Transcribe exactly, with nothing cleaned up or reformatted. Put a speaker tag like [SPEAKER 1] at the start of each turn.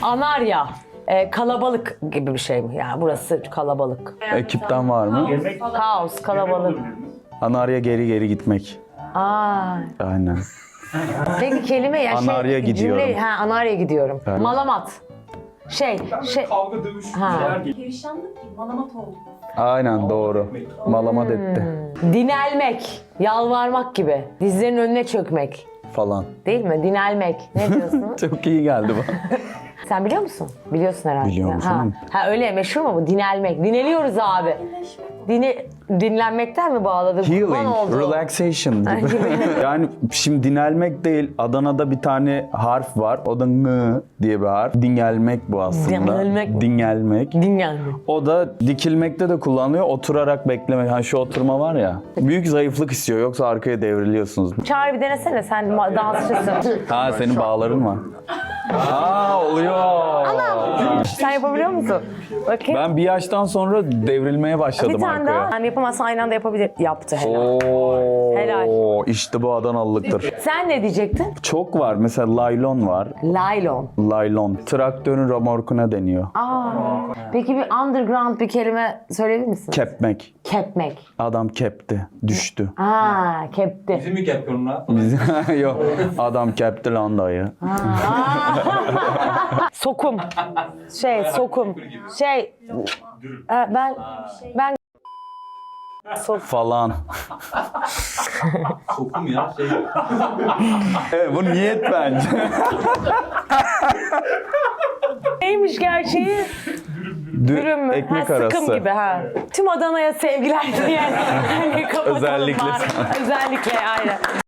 [SPEAKER 1] Anarya. Ee, kalabalık gibi bir şey mi? Yani burası kalabalık.
[SPEAKER 2] Ekipten var mı?
[SPEAKER 1] Kaos, kalabalık.
[SPEAKER 2] Anarya geri geri gitmek.
[SPEAKER 1] Aa.
[SPEAKER 2] Aynen.
[SPEAKER 1] Peki kelime ya şey.
[SPEAKER 2] Anarya gidiyorum.
[SPEAKER 1] Cümle, ha, Anarya gidiyorum.
[SPEAKER 2] Evet.
[SPEAKER 1] Malamat. Şey, şey.
[SPEAKER 3] Kavga, dövüş,
[SPEAKER 1] Ha.
[SPEAKER 3] şeyler gibi.
[SPEAKER 4] Perişanlık gibi malamat oldu.
[SPEAKER 2] Aynen doğru. Malamat etti
[SPEAKER 1] Dinelmek, yalvarmak gibi. Dizlerin önüne çökmek.
[SPEAKER 2] falan.
[SPEAKER 1] Değil mi? Dinelmek. Ne diyorsun?
[SPEAKER 2] Çok iyi geldi bana.
[SPEAKER 1] Sen biliyor musun? Biliyorsun herhalde.
[SPEAKER 2] Biliyorum
[SPEAKER 1] ha.
[SPEAKER 2] canım.
[SPEAKER 1] ha öyle meşhur mu bu? Dinelmek. Dineliyoruz abi. Dini, dinlenmekten mi bağladık? Kurban
[SPEAKER 2] Healing,
[SPEAKER 1] oldu.
[SPEAKER 2] relaxation gibi. Yani şimdi dinelmek değil, Adana'da bir tane harf var. O da ng diye bir harf. Dingelmek bu aslında.
[SPEAKER 1] Dingelmek mi?
[SPEAKER 2] Dingelmek.
[SPEAKER 1] Dinlenmek.
[SPEAKER 2] O da dikilmekte de kullanılıyor. Oturarak beklemek. Hani şu oturma var ya. Büyük zayıflık istiyor. Yoksa arkaya devriliyorsunuz.
[SPEAKER 1] Çağrı bir denesene. Sen ma- dansçısın.
[SPEAKER 2] Ha senin bağların var. Aa oluyor.
[SPEAKER 1] Sen yapabiliyor musun? Bakayım.
[SPEAKER 2] Ben bir yaştan sonra devrilmeye başladım
[SPEAKER 1] bir tane
[SPEAKER 2] arkaya.
[SPEAKER 1] daha. Yani yapamazsan aynı anda yapabilir. Yaptı helal.
[SPEAKER 2] Oo,
[SPEAKER 1] Helal.
[SPEAKER 2] İşte bu Adanalılıktır.
[SPEAKER 1] Sen ne diyecektin?
[SPEAKER 2] Çok var. Mesela laylon var.
[SPEAKER 1] Laylon.
[SPEAKER 2] Laylon. Traktörün remorkuna deniyor.
[SPEAKER 1] Aa. Peki bir underground bir kelime söyleyebilir misin?
[SPEAKER 2] Kepmek.
[SPEAKER 1] Kepmek.
[SPEAKER 2] Adam kepti. Düştü.
[SPEAKER 1] Aa, kepti.
[SPEAKER 3] Bizi mi yapıyorsun lan?
[SPEAKER 2] Biz... Yok. Adam kepti lan dayı.
[SPEAKER 1] Sokum. Şey, sokum. Şey, e, ben ben
[SPEAKER 2] Falan.
[SPEAKER 3] Sokum ya şey.
[SPEAKER 2] Evet, bu niyet bence.
[SPEAKER 1] neymiş gerçeği? Dürüm mü?
[SPEAKER 2] Ekmek
[SPEAKER 1] ha,
[SPEAKER 2] arası.
[SPEAKER 1] Sıkım gibi ha. Tüm Adana'ya sevgiler diye. Hani kapatalım
[SPEAKER 2] Özellikle
[SPEAKER 1] bari.
[SPEAKER 2] sana.
[SPEAKER 1] Özellikle aynen.